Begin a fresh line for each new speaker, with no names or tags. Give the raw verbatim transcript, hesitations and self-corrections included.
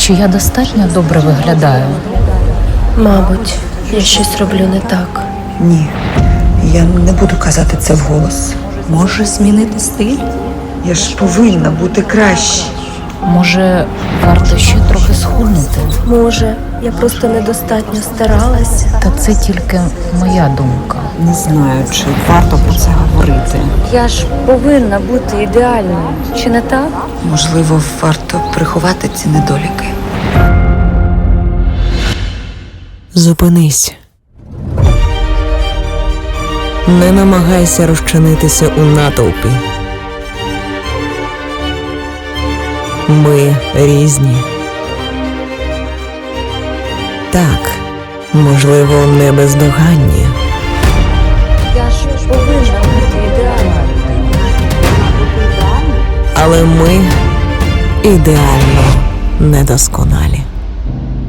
Чи я достатньо добре виглядаю?
Мабуть, я щось роблю не так.
Ні, я не буду казати це вголос.
Може змінити стиль?
Я ж повинна бути краще.
Може, варто ще трохи схуднути?
Може, я просто недостатньо старалася.
Та це тільки моя думка.
Не знаю, чи варто про це говорити.
Я ж повинна бути ідеальною, чи не так?
Можливо, варто приховати ці недоліки.
Зупинись. Не намагайся розчинитися у натовпі. Ми різні. Так, можливо, не бездоганні.
Я ж повинна бути ідеальною.
Але ми ідеально недосконалі.